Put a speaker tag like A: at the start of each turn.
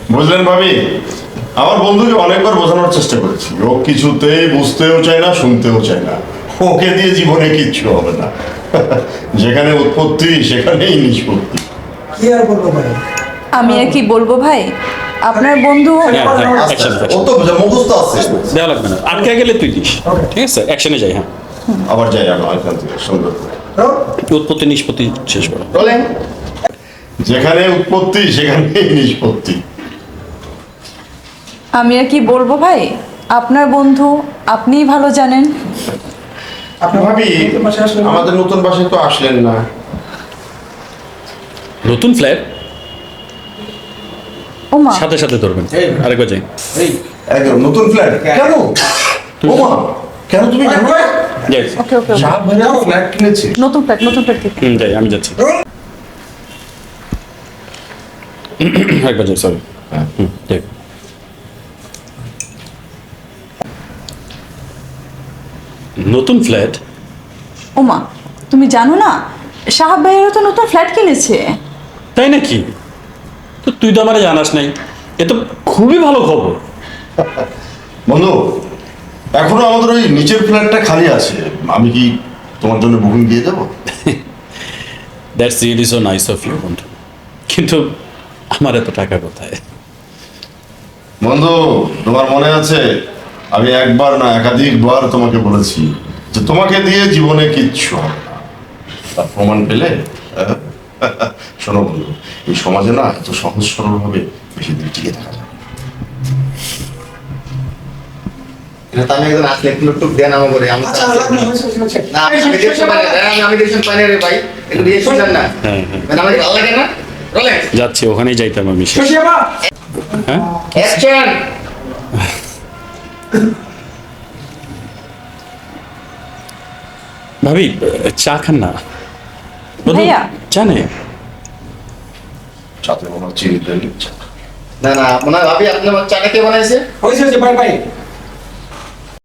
A: বুঝলেন ভাবি, আমার বন্ধুকে অনেকবার বোঝানোর চেষ্টা করেছি, ও কিছুতেই বুঝতেও চায় না, শুনতেও চায় না। ওকে দিয়ে জীবনে কিচ্ছু হবে না। যেখানে উৎপত্তি সেখানেই নিষ্পত্তি।
B: কি আর বলবো ভাই?
C: আমি আর কি বলবো ভাই, আপনার বন্ধু
A: ও তো মুখস্থ আছে।
D: দেওয়া লাগবে না, আটকে গেলে তুই দিস। ঠিক আছে, অ্যাকশনে যাই। হ্যাঁ,
A: আবার যাই আমরা এখান থেকে সুন্দর করে।
D: উৎপত্তি নিষ্পত্তি শেষ করো।
A: যেখানে উৎপত্তি সেখানেই নিষ্পত্তি।
C: আমি আর কি বলবো ভাই, আপনার বন্ধু আপনিই ভালো জানেন।
A: ভাবি, আমাদের নতুন বাসায় তো আসলেন না।
D: নতুন ফ্ল্যাট
C: ওমা,
D: সাথে সাথে ধরবেন। আরেকবার যাই।
A: একদম নতুন ফ্ল্যাট কেন? ওমা, কেন তুমি জানো না?
D: যাই।
C: ওকে ওকে,
A: সাহেব ভাইয়া ফ্ল্যাট কিনেছে।
C: নতুন ফ্ল্যাট
D: যাই, আমি যাচ্ছি। একবার যাই, সরি। যাই। নতুন ফ্ল্যাট?
C: ওমা, তুমি জানো না সাহাব ভাইয়েরও তো নতুন ফ্ল্যাট কিনেছে।
D: তাই নাকি? তো তুই তো আমারে জানাস নাই, এ তো খুবই ভালো খবর।
A: বন্ধু, এখনো আমাদের ওই নিচের ফ্ল্যাটটা খালি আছে, আমি কি তোমার জন্য বুকিং দিয়ে দেবো?
D: That's really so nice of you বন্ধু, কিন্তু আমার এত টাকা কোথায়?
A: বন্ধু, তোমার মনে আছে আমি একবার না একাধিকবার তোমাকে বলেছি যে তোমাকে দিয়ে জীবনে কিচ্ছু হবে না। তার প্রমাণ পেলে? শোনো বন্ধু, এই সমাজে না এত সহজ সরল ভাবে বেশি দিন টিকে থাকা যায় না।
E: আমি একজন আসলে একটু টুক দেন আমার করে আমি
B: আচ্ছা লাগবে, হয়েছে।
E: না আমি দেখতে পারি না, আমি দেখতে পারি না রে ভাই, একটু রিয়েকশন দেন না।
D: হ্যাঁ হ্যাঁ,
E: মানে আমার ভালো লাগে না। রোলেন
D: যাচ্ছি, ওখানেই যাইতাম আমি।
B: শশিয়াবা,
D: হ্যাঁ,
E: অ্যাকশন।
D: ভাবি চা খান না? বন্ধু,
C: ভাইয়া।
D: চা নেই?
A: সাথে মনে হচ্ছে চিনি দেন।
E: না না, মনে হয় ভাবি আপনি আমার চাটা কে বানাইছে?
B: হয়েছে, বাই বাই।